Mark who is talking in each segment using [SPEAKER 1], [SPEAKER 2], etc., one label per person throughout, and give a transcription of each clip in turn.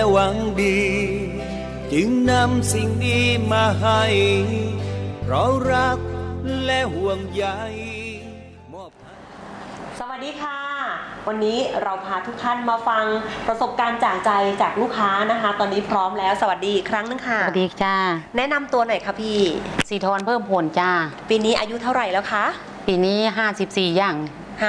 [SPEAKER 1] หวังดีจึงนำสิ่งดีมาให้เพราะรักและห่วงใย
[SPEAKER 2] สวัสดีค่ะวันนี้เราพาทุกท่านมาฟังประสบการณ์จากใจจากลูกค้านะคะตอนนี้พร้อมแล้วสวัสดีอีกครั้งนึงค่ะ
[SPEAKER 3] สวัสดีจ้า
[SPEAKER 2] แนะนำตัวหน่อยค่ะพี่
[SPEAKER 3] สีทรเพิ่มผลจ้า
[SPEAKER 2] ปีนี้อายุเท่าไหร่แล้วคะ
[SPEAKER 3] ปีนี้54ย่าง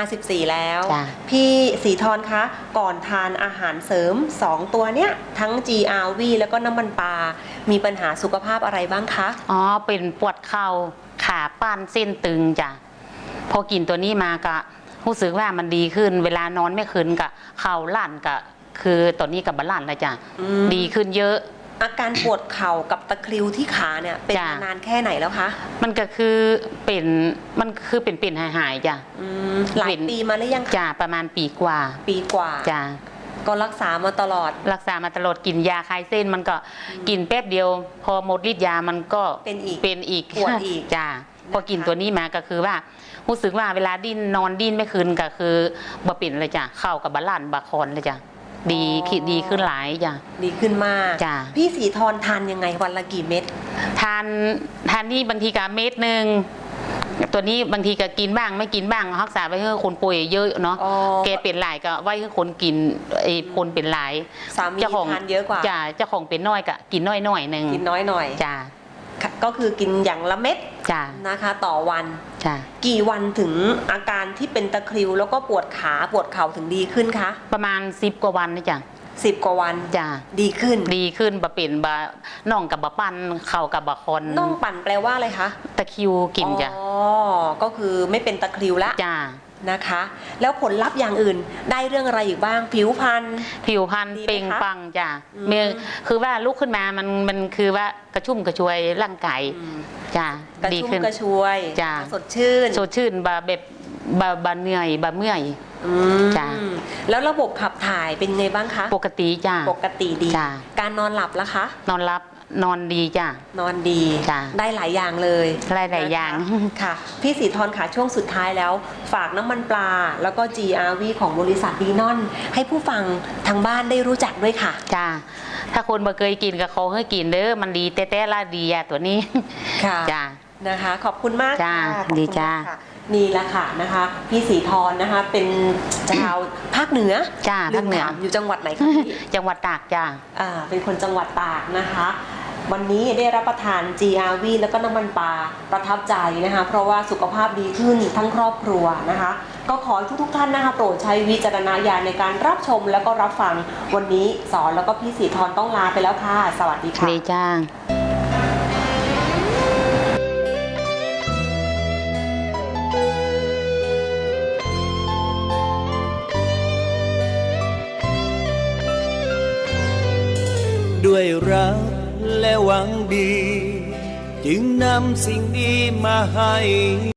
[SPEAKER 2] 54แล้วพี่สีทรคะก่อนทานอาหารเสริม2ตัวเนี้ยทั้ง GRV แล้วก็น้ำมันปลามีปัญหาสุขภาพอะไรบ้างคะ
[SPEAKER 3] อ๋อเป็นปวดเข่าขาป้านเส้นตึงจ้ะพอกินตัวนี้มาก็รู้สึกว่ามันดีขึ้นเวลานอนไม่คืนกับเข่าลั่นกับคือตอนนี้กับบาลานซ์แล้วจ้ะดีขึ้นเยอะ
[SPEAKER 2] อาการปวดเข่ากับตะคริวที่ขาเนี่ยเป็นมานานแค่ไหนแล้วคะ
[SPEAKER 3] มันก็คือเป็นหายจ้ะ
[SPEAKER 2] หลายปีมาหรือยัง
[SPEAKER 3] จ้ะประมาณปีกว่าจ้ะ
[SPEAKER 2] ก็รักษามาตลอด
[SPEAKER 3] กินยาคลายเส้นมันก็กินแป๊บเดียวพอหมดฤทธิ์ยามันก็เป็นอีก
[SPEAKER 2] ปวดอีก
[SPEAKER 3] จ้ะพอกินตัวนี้มาก็คือว่ารู้สึกว่าเวลานอนดิ้นไม่คืนก็คือบ่ปิ่นเลยจ้ะเข้ากับบาลานซ์บาคอนเลยจ้ะดีขึ้นหลายจ้ะ
[SPEAKER 2] ดีขึ้นมาก
[SPEAKER 3] จ้ะ
[SPEAKER 2] พี่สีทรทานยังไงวันละกี่เม็ด
[SPEAKER 3] ทานนี่บางทีก็เม็ดนึงตัวนี้บางทีก็กินบ้างไม่กินบ้างรักษาไว้ให้คนป่วยเยอะเนาะแกเป็นหลายก็ไว้ให้คนกินคนเป็นหลาย
[SPEAKER 2] สามีทานเยอะกว่า
[SPEAKER 3] จ้ะเจ้าของเป็นน้อยก็กินน้อยนึง
[SPEAKER 2] กินน้อยหน่อย
[SPEAKER 3] จ้ะ
[SPEAKER 2] ก็คือกินอย่างละเม็ดนะคะต่อวันกี่วันถึงอาการที่เป็นตะคริวแล้วก็ปวดขาปวดเข่าถึงดีขึ้นคะ
[SPEAKER 3] ประมาณ10 กว่าวันนะจ้ะ
[SPEAKER 2] 10 กว่าวัน
[SPEAKER 3] จ้ะ
[SPEAKER 2] ดีขึ้น
[SPEAKER 3] บะเป็นบะน่องกับบะปั้นเข่ากับบะคอน
[SPEAKER 2] น่องปั่นแปลว่าอะไรคะ
[SPEAKER 3] ตะคริวกินจ้ะ
[SPEAKER 2] อ๋อก็คือไม่เป็นตะคริวละ
[SPEAKER 3] จ้ะ
[SPEAKER 2] นะคะแล้วผลลัพธ์อย่างอื่นได้เรื่องอะไรอีกบ้างผิวพรรณ
[SPEAKER 3] เปล่งปังจ้ะคือว่าลุกขึ้นมามันคือว่ากระชุ่มกระชวยร่างกายจ้ะ
[SPEAKER 2] กระชุ่มกระชวย
[SPEAKER 3] จ้ะ
[SPEAKER 2] สดชื่น
[SPEAKER 3] แบบบะเหนื่อยบะเมื่อย
[SPEAKER 2] จ้ะแล้วระบบขับถ่ายเป็นไงบ้างคะ
[SPEAKER 3] ปกติจ้ะ
[SPEAKER 2] ปกติดีการนอนหลับล่ะคะ
[SPEAKER 3] นอนดีจ้ะ
[SPEAKER 2] นอนดีได้หลายอย่างเลย
[SPEAKER 3] หลายอย่าง
[SPEAKER 2] ค่ะพี่สีทรค่ะช่วงสุดท้ายแล้วฝากน้ำมันปลาแล้วก็ GRV ของบริษัทดีนอนให้ผู้ฟังทางบ้านได้รู้จักด้วยค่ะ
[SPEAKER 3] จ้ะถ้าคนบ่เคยกินก็ขอให้กินเด้อมันดีแต่ละดีอะตัวนี้
[SPEAKER 2] ค่ะจ้ะนะคะขอบคุณมาก
[SPEAKER 3] จ้ะดีจ้ะ
[SPEAKER 2] นี่แหละค่ะนะคะพี่สีทรนะคะเป็นชาวภาคเหนือ
[SPEAKER 3] จ้าภาคเหนือ
[SPEAKER 2] อยู่จังหวัดไหนคะพี่
[SPEAKER 3] จังหวัดตากจ้า
[SPEAKER 2] เป็นคนจังหวัดตากนะคะวันนี้ได้รับประทาน GRV แล้วก็น้ำมันปลาประทับใจนะคะเพราะว่าสุขภาพดีขึ้นทั้งครอบครัวนะคะก็ขอให้ทุกท่านนะคะโปรดใช้วิจารณญาณในการรับชมแล้วก็รับฟังวันนี้สอนแล้วก็พี่สีทรต้องลาไปแล้วค่ะสวัสดีค่ะ
[SPEAKER 3] ดีจ้า
[SPEAKER 1] ด้วยรักและหวังดีจึงนำสิ่งดีมาให้